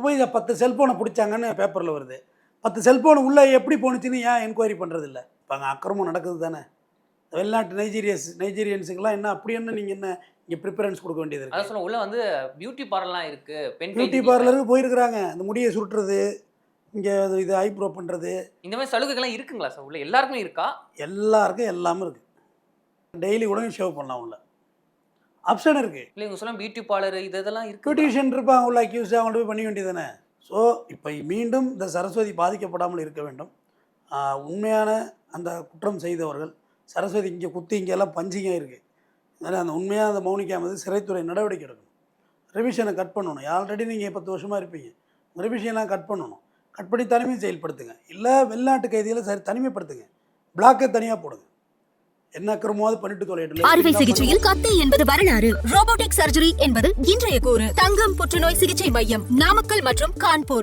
போய் 10 செல்ஃபோனை பிடிச்சாங்கன்னு பேப்பரில் வருது. 10 செல்ஃபோன் உள்ளே எப்படி போணுச்சுன்னு ஏன் என்கொயரி பண்ணுறது இல்லை? இப்போ அங்கே அக்கிரமம் நடக்குது தானே. வெளிநாட்டு நைஜீரியன்ஸுக்கெல்லாம் என்ன அப்படி என்ன நீங்கள் என்ன இங்கே ப்ரிஃபரன்ஸ் கொடுக்க வேண்டியது இருக்குது? அதான் சொல்ல உள்ள வந்து பியூட்டி பார்லர்லாம் இருக்கு, பெண் பியூட்டி பார்லருக்கு போயிருக்கிறாங்க. அந்த முடியை சுருட்டுறது, இங்கே இது ஐப்ரோ பண்ணுறது, இந்த மாதிரி சலுகைகள்லாம் இருக்குங்களா சார் உள்ள? எல்லாருக்குமே இருக்கா? எல்லாருக்கும் எல்லாமே இருக்குது. டெய்லி கூட ஷேவ் பண்ணலாம் உள்ள, ஆப்ஷன் இருக்குது. இல்லை இவங்க சொல்ல பியூட்டி பார்லர் இதெல்லாம் இருக்கு. பியூட்டிஷியன் இருப்பாங்க உள்ள, அக்யூஸ் அவங்கள்ட்ட போய் பண்ணி வேண்டியது தானே. ஸோ இப்போ மீண்டும் இந்த சரஸ்வதி பாதிக்கப்படாமல் இருக்க வேண்டும். உண்மையான அந்த குற்றம் செய்தவர்கள், சரஸ்வதி இங்கே குத்தி இங்கெல்லாம் பஞ்சிங்க இருக்குது, அதனால் அந்த உண்மையாக அந்த மௌனிக்காமது சிறைத்துறை நடவடிக்கை எடுக்கணும். ரிவிஷனை கட் பண்ணணும். ஆல்ரெடி நீங்கள் 10 வருஷமாக இருப்பீங்க, ரிவிஷன்லாம் கட் பண்ணணும். கட் பண்ணி தனிமை செயல்படுத்துங்க. இல்லை வெளிநாட்டு கைதிகளை சரி தனிமைப்படுத்துங்க, பிளாக்கை தனியாக போடுங்க. என்ன அக்கிரமமாவது பண்ணிட்டு தொலையிட்டு. அறுவை சிகிச்சையில் கத்தை என்பது வரலாறு, ரோபோட்டிக் சர்ஜரி என்பது இன்றைய கூறு. தங்கம் புற்றுநோய் சிகிச்சை மையம், நாமக்கல் மற்றும் கான்பூர்.